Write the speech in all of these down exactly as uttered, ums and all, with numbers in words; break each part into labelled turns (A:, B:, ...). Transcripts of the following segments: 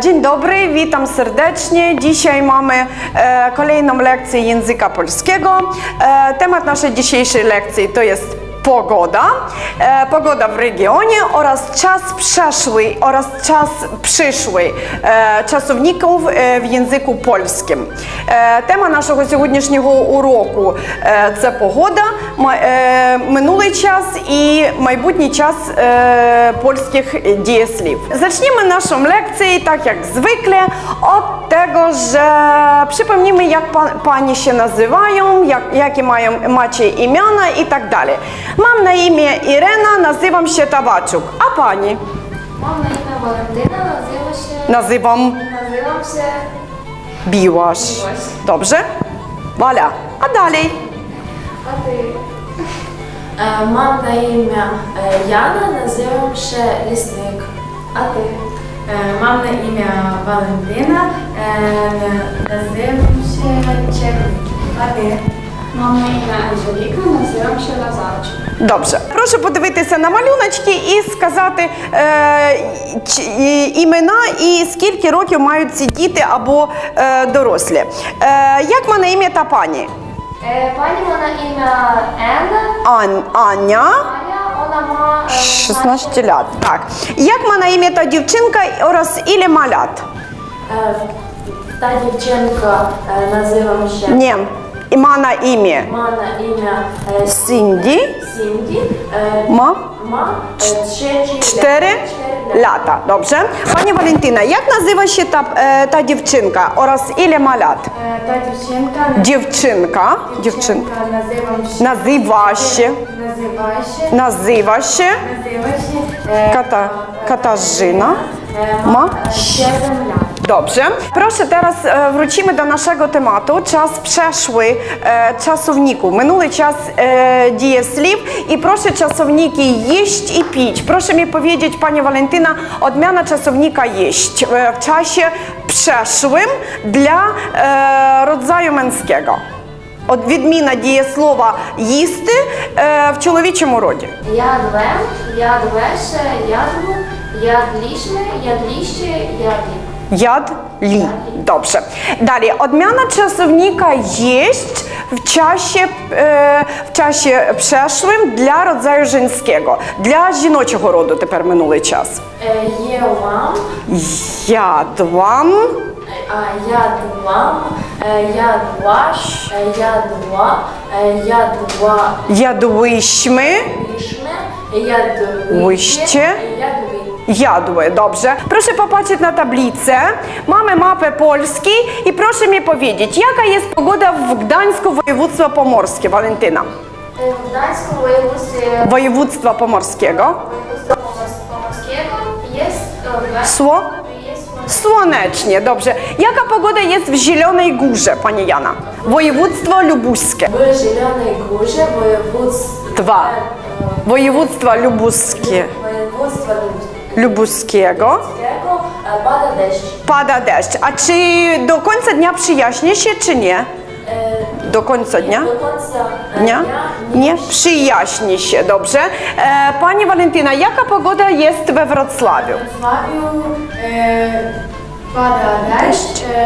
A: Dzień dobry, witam serdecznie. Dzisiaj mamy e, kolejną lekcję języka polskiego. E, temat naszej dzisiejszej lekcji to jest pogoda, e, pogoda w regionie oraz czas przeszły oraz czas przyszły e, czasowników e, w języku polskim. E, tema naszego сьогоднішнього уроку e, це погода, e, минулий час i майбутній час e, polskich dieслів. Zaczniemy naszą lekcję, tak jak zwykle, od tego, że przypomnimy, jak pa, pani się nazywają, jak, jakie mają, macie imiona i tak dalej. Mam na imię Irena, nazywam się Tabaczuk. A pani?
B: Mam na imię Walentyna, nazywa się...
A: Nazywam
B: Nazywam się...
A: Biłaś.
B: Biłaś.
A: Dobrze? Wala. A dalej?
B: A ty? E, mam na imię e, Jana, nazywam się Listnik. A ty?
C: E, mam na imię Walentyna, e, nazywam się Czernik. A ty?
B: Mam na imię Angelika, nazywam się Lazarczyk.
A: Dobrze. Proszę подивитися на малюночки і сказати е, чи, і, імена і скільки років мають ці діти або е, дорослі. Е, як має ім'я та пані?
B: E, pani ma na imię Anna.
A: Ан, Аня.
B: Ania, ona ma... E,
A: шістнадцять лет. Так. Як має ім'я та дівчинка oraz ile ma lat?
B: E, ta dziewczynka e, nazywa się...
A: Nie. I ma na imię
B: Ma na imię e,
A: Cindy.
B: Cindy. E,
A: Ma
B: ma e, trzy,
A: cztery lata. Dobrze. Pani Walentyna, jak nazywa się ta, e, ta dziewczynka oraz ile ma lat?
C: E, ta dziewczynka...
A: Dziewczynka. Dziewczynka.
C: Dziewczynka nazywam się...
A: Nazywa się.
C: Nazywa się...
A: Nazywa się
C: Nazywa się... E,
A: Kata, Katarzyna.
C: e,
A: Ma?
C: siedem lat.
A: Dobrze. Proszę, teraz e, wrócimy do naszego tematu. Czas przeszły e, czasowników. Minuły czas e, dieслів. I proszę czasowniki jeść i pić. Proszę mi powiedzieć, Pani Walentyna, odmiana czasownika jeść e, w czasie przeszłym dla e, rodzaju męskiego. Od відміна дієслова їсти е, в чоловічому роді.
B: Jadłem, jadłeś, jadł, jadliśmy, jadliście, jadli.
A: Jadli. Dobrze. Dalej, odmiana czasownika jeść w czasie, e, w czasie przeszłym dla rodzaju żeńskiego. Dla żіночого роду тепер минулий час.
B: E, Jęłam,
A: Jadłam,
B: a jadłam, e, jadłaś, e, jadła, e, jadła,
A: jadłyśmy,
B: jadliśmy, jadłyście,
A: Łyście.
B: jadły.
A: jadły. Dobrze. Proszę popatrzeć na tablicę. Mamy mapę Polski i proszę mi powiedzieć, jaka jest pogoda w Gdańsku, województwo pomorskie, Walentyna?
B: E, W Gdańsku województwie
A: Województwa pomorskiego.
B: województwa pomors- pomorskiego jest e,
A: Sło?
B: jest
A: Słonecznie, dobrze. Jaka pogoda jest w Zielonej Górze, Pani Jana? Województwo lubuskie.
B: w Zielonej Górze województwa
A: Dwa. Województwa lubuskie.
B: województwa
A: Lubuskiego.
B: lubuskiego e, pada deszcz.
A: Pada deszcz. A czy do końca dnia przyjaśni się, czy nie?
B: E,
A: Do końca dnia?
B: Do końca e,
A: Dnia? Nie? Przyjaśni się, dobrze. E, Pani Walentyna, jaka pogoda jest we Wrocławiu?
C: W Wrocławiu e, pada deszcz, e,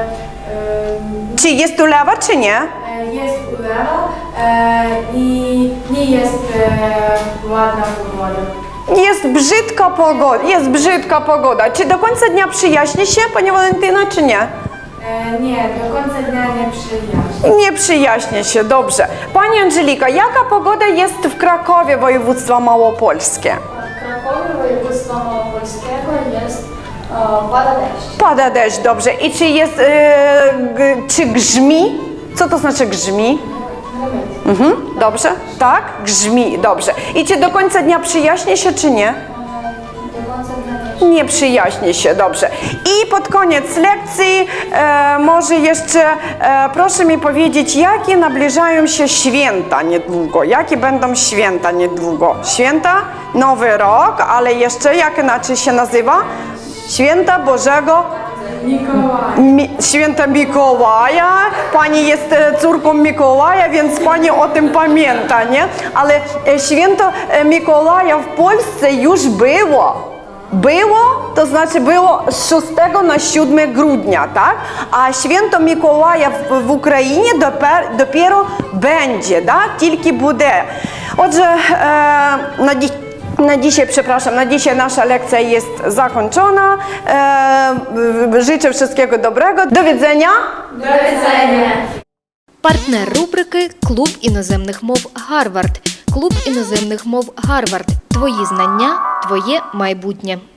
C: e,
A: Czy jest ulewa, czy nie?
C: e, jest ulewa e, i nie jest e, ładna pogoda.
A: Jest brzydka pogoda, jest brzydka pogoda. Czy do końca dnia przyjaśni się, Pani Walentyna, czy nie?
C: E, nie, do końca dnia nie przyjaźni.
A: Nie przyjaśni się, dobrze. Pani Angelika, jaka pogoda jest w Krakowie, województwo małopolskie?
B: W Krakowie województwa małopolskiego jest e, pada deszcz.
A: Pada deszcz, dobrze. I czy jest, e, g, czy grzmi? Co to znaczy grzmi? Mhm, dobrze, tak? Grzmi, dobrze. I czy do końca dnia przyjaśni się, czy nie?
B: Do końca dnia nie
A: Nie przyjaśni się, dobrze. I pod koniec lekcji e, może jeszcze e, proszę mi powiedzieć, jakie nabliżają się święta niedługo? Jakie będą święta niedługo? Święta? Nowy Rok, ale jeszcze jak inaczej się nazywa? Święta Bożego
C: Mikołaj.
A: Mi, Święta Mikołaja. Pani jest e, córką Mikołaja, więc pani o tym pamięta, nie? Ale e, święto e, Mikołaja w Polsce już było. było, to znaczy było z szóstego na siódme grudnia, tak? A święto Mikołaja w, w Україні допер, dopiero będzie, tak? Тільки буде. Отже, e, na, dzi na dzisiaj, przepraszam, na dzisiaj nasza lekcja jest zakończona. E, życzę wszystkiego dobrego. Do widzenia.
B: До widzenia.
D: Партнер рубрики «Клуб іноземних мов Гарвард». Клуб іноземних мов Гарвард. Твої знання, твоє майбутнє.